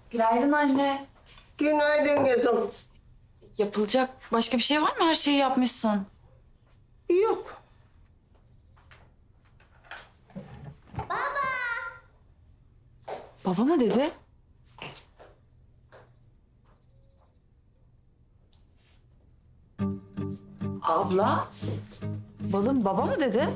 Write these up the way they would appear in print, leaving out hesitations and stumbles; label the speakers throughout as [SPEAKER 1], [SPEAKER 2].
[SPEAKER 1] Günaydın anne.
[SPEAKER 2] Günaydın kızım.
[SPEAKER 1] Yapılacak başka bir şey var mı? Her şeyi yapmışsın.
[SPEAKER 2] Yok.
[SPEAKER 1] Baba mı dedi? Abla? Balım baba mı dedi?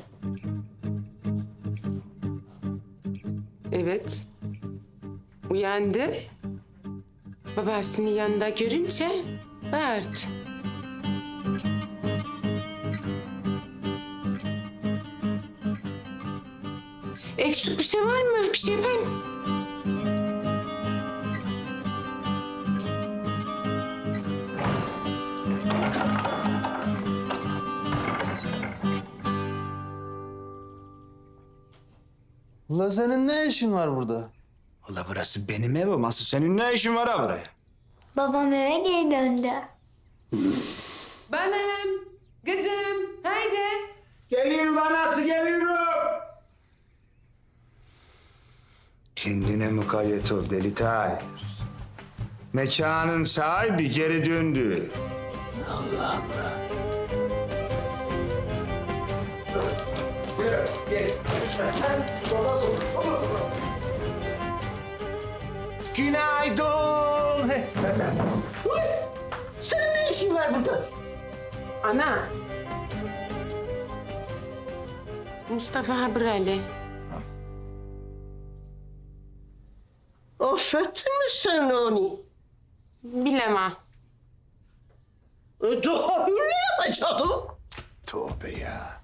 [SPEAKER 3] Evet. Uyandı. Babasını yanında görünce bağırdı. Eksik bir şey var mı? Bir şey yapayım mı?
[SPEAKER 4] Ula senin ne işin var burada?
[SPEAKER 5] Valla burası benim evim. Asıl senin ne işin var ha buraya?
[SPEAKER 6] Babam eve geri döndü.
[SPEAKER 3] Balım, kızım, haydi.
[SPEAKER 5] Geliyorum anası, geliyorum. Kendine mukayyet ol deli Tahir. Mekanın sahibi geri döndü. Günaydın.
[SPEAKER 2] Senin ne işin var burada?
[SPEAKER 3] Ana. Mustafa Habrali.
[SPEAKER 2] Affettin mi sen onu?
[SPEAKER 3] Bilemem.
[SPEAKER 2] Daha ne yapacaktı?
[SPEAKER 5] Tövbe ya.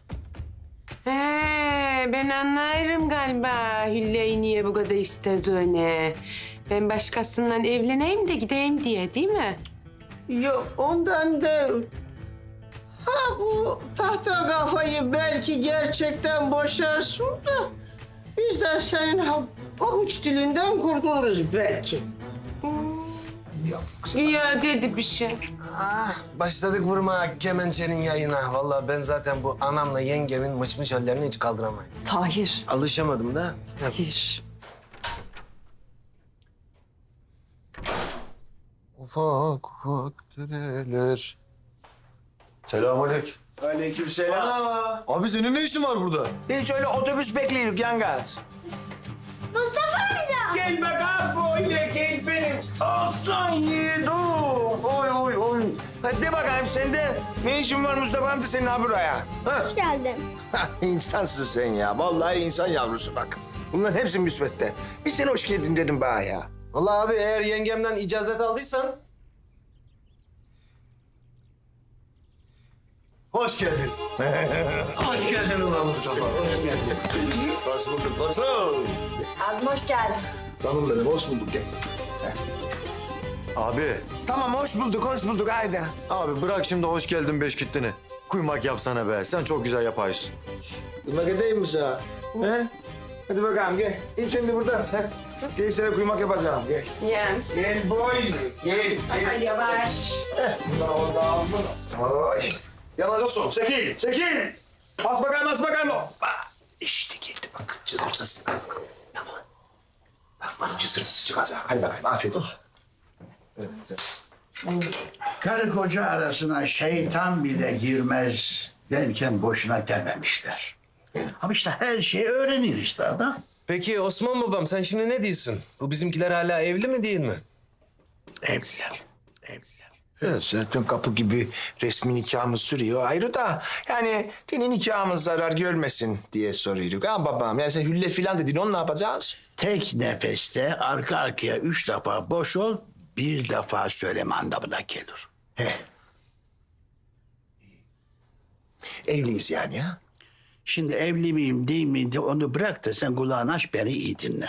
[SPEAKER 3] Ben anlarım galiba Hülle'yi niye bu kadar istediğini. Ben başkasından evleneyim de gideyim diye değil mi?
[SPEAKER 2] Yok ondan değil. Ha bu tahta kafayı belki gerçekten boşarsın da... ...biz de senin pabuç dilinden kurtuluruz belki.
[SPEAKER 3] Ya dedi bir şey.
[SPEAKER 4] Ah, başladık vurma kemençenin yayına. Vallahi ben zaten bu anamla yengemin mıçmış hallerini hiç kaldıramayım.
[SPEAKER 1] Tahir.
[SPEAKER 4] Alışamadım da.
[SPEAKER 1] Tahir.
[SPEAKER 4] Ufak ufak dereler. Selamünaleyküm.
[SPEAKER 5] Aleykümselam.
[SPEAKER 4] Abi senin ne işin var burada?
[SPEAKER 5] Hiç öyle otobüs bekliyoruz yangaz.
[SPEAKER 6] Mustafa amca!
[SPEAKER 5] Gel bakalım böyle gel benim aslan yiğidim. Oy oy oy. Hadi de bakayım sen de ne işin var Mustafa amca senin ha buraya? Ha?
[SPEAKER 6] Hoş geldin.
[SPEAKER 5] İnsansın sen ya. Vallahi insan yavrusu bak. Bunların hepsi müsbette. Bir sen hoş geldin dedim bana ya.
[SPEAKER 4] Vallahi abi eğer yengemden icazet aldıysan... Hoş geldin. Hoş geldin ulan Mustafa. Hoş geldin. Hoş bulduk. Nasıl?
[SPEAKER 1] Abim hoş geldin.
[SPEAKER 4] Canım benim, hoş bulduk gel. Abi,
[SPEAKER 5] Tamam hoş bulduk haydi.
[SPEAKER 4] abi bırak şimdi hoş geldin beş gittini. Kuymak yapsana be, sen çok güzel yaparsın.
[SPEAKER 5] Kuymak edeyim mi sana? He? Hadi bakalım gel. İn şimdi burada. He? Gel sana kuymak yapacağım. Gel.
[SPEAKER 3] Yes.
[SPEAKER 5] Gel boy. Gel.
[SPEAKER 3] Ay yavaş.
[SPEAKER 5] Oy. Yanacaksın. Çekil. Çekil. Bas bakayım. Hoppa. İşte geldi bak. Cızırtısı. Tamam. Bak cızırtısı çıkacak. Hadi bakayım. Afiyet olsun.
[SPEAKER 7] Karı koca arasına şeytan bile girmez derken boşuna dememişler. Ama işte her şeyi öğrenir işte adam.
[SPEAKER 4] Peki Osman babam sen şimdi ne diyorsun? Bu bizimkiler hala evli mi değil mi?
[SPEAKER 7] Evliler, evliler.
[SPEAKER 5] Evet, zaten kapı gibi resmi nikahımız sürüyor. Ayrı da yani senin nikahımız zarar görmesin diye soruyoruz. Ha babam yani sen hülle filan dedin onu ne yapacağız?
[SPEAKER 7] Tek nefeste arka arkaya 3 defa boş ol, bir defa söyleme anlamına gelir.
[SPEAKER 5] Evliyiz yani ya.
[SPEAKER 7] Şimdi evli miyim değil miyim de onu bırak da sen kulağını aç beni iyi dinle.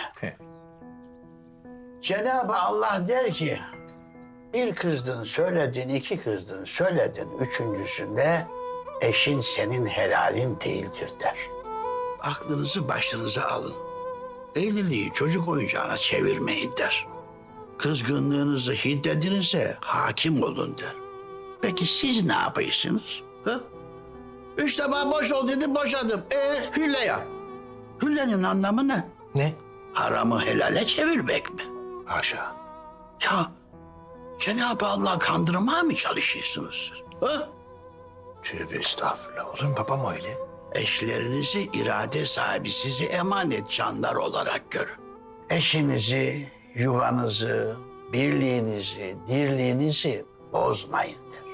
[SPEAKER 7] Cenab-ı Allah der ki, bir kızdın söyledin, iki kızdın söyledin, üçüncüsünde eşin senin helalin değildir der. Aklınızı başınıza alın. Evliliği çocuk oyuncağına çevirmeyin der. Kızgınlığınızı hiddetinize hakim olun der. Peki siz ne yapıyorsunuz? Ha? 3 defa boş ol dedim boşadım. Hülle yap. Hüllenin anlamı ne?
[SPEAKER 5] Ne?
[SPEAKER 7] Haramı helale çevirmek mi?
[SPEAKER 5] Haşa.
[SPEAKER 7] Ya Cenab-ı Allah kandırmaya mı çalışıyorsunuz siz? Ha?
[SPEAKER 5] Tövbe estağfurullah. Olur mu babam öyle?
[SPEAKER 7] Eşlerinizi irade sahibi, sizi emanet canlar olarak görün. Eşinizi, yuvanızı, birliğinizi, dirliğinizi bozmayın der.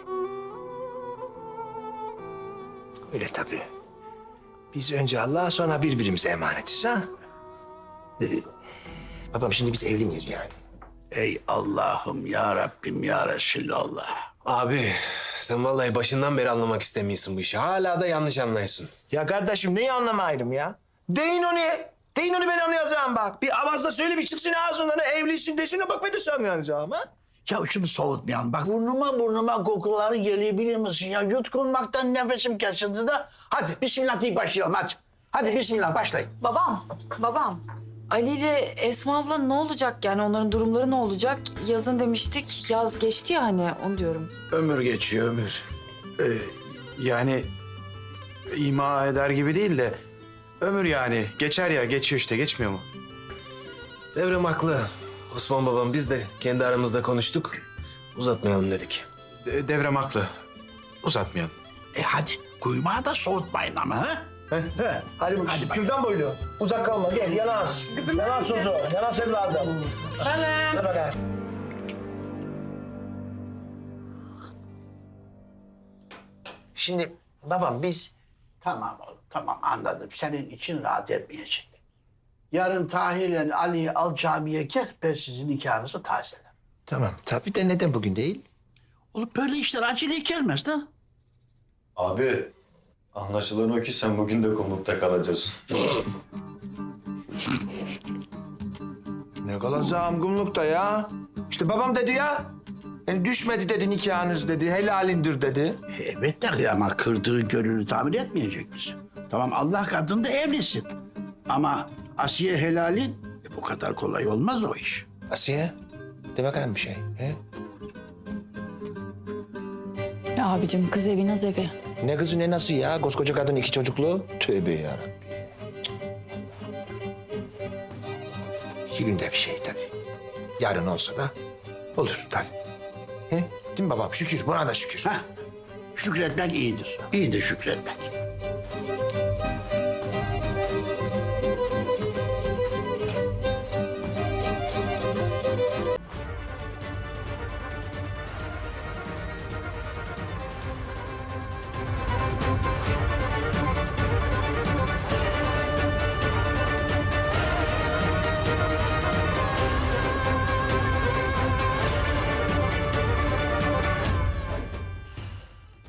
[SPEAKER 5] Öyle tabii. Biz önce Allah'a sonra birbirimize emanetiz ha. Babam şimdi biz evli miyiz yani?
[SPEAKER 7] Ey Allah'ım ya Rabbim ya Resulallah.
[SPEAKER 4] Abi sen vallahi başından beri anlamak istemiyorsun bu işi. Hala da yanlış anlıyorsun.
[SPEAKER 5] Ya kardeşim neyi anlamaydım ya? Deyin onu. Deyin onu ben anlayacağım bak. Bir avazla söyle bir çıksın ağzından. Evlisin desin bak ben de sana anlayacağım ha.
[SPEAKER 7] Ya şunu soğutmayalım. Bak burnuma kokuları geliyor biliyor musun? Ya yutkunmaktan nefesim kesildi de. Hadi bismillah deyip başlayalım hadi. Hadi bismillah başlayın.
[SPEAKER 1] Babam. Ali ile Esma abla ne olacak yani onların durumları ne olacak? Yazın demiştik, yaz geçti ya hani onu diyorum.
[SPEAKER 8] Ömür geçiyor ömür. Yani ima eder gibi değil de ömür yani geçer ya geçiyor işte geçmiyor mu?
[SPEAKER 4] Devrem haklı. Osman babam biz de kendi aramızda konuştuk. Uzatmayalım dedik.
[SPEAKER 8] Devrem haklı. Uzatmayalım.
[SPEAKER 7] Hadi kuymağı da soğutmayın ama ha.
[SPEAKER 5] Hadi bakalım. Kürdan boylu. Uzak kalma gel yanas. Yanas Suzu. Yanas evladım. Hadi bakalım.
[SPEAKER 7] Şimdi babam biz... Tamam oğlum tamam anladım. Senin için rahat etmeyecek. Yarın Tahir'le Ali'yi al camiye gel. Ben sizin nikahınızı tazelerim.
[SPEAKER 5] Tamam tabii de neden bugün değil?
[SPEAKER 7] Oğlum böyle işler acele gelmez lan.
[SPEAKER 9] Abi, anlaşılan o ki sen bugün de komutta kalacaksın.
[SPEAKER 5] Ne kalacağım kumlukta ya? İşte babam dedi ya. Yani düşmedi dedi nikahınız dedi. Helalindir dedi.
[SPEAKER 7] Evet de ama kırdığı gönlünü tamir etmeyecek misin? Tamam Allah katında evlisin. Ama Asiye helalin bu kadar kolay olmaz o iş.
[SPEAKER 5] Asiye de bakalım bir şey. He?
[SPEAKER 1] Ya abicim kız evi naz evi.
[SPEAKER 5] Ne kızı ne nasıl ya? Koskoca kadın 2 çocuklu. Tövbe yarabbim. 2 günde bir şey tabii. Yarın olsa da olur tabii. He? Değil mi babam? Şükür buna da şükür.
[SPEAKER 7] Heh, şükretmek iyidir. İyidir şükretmek.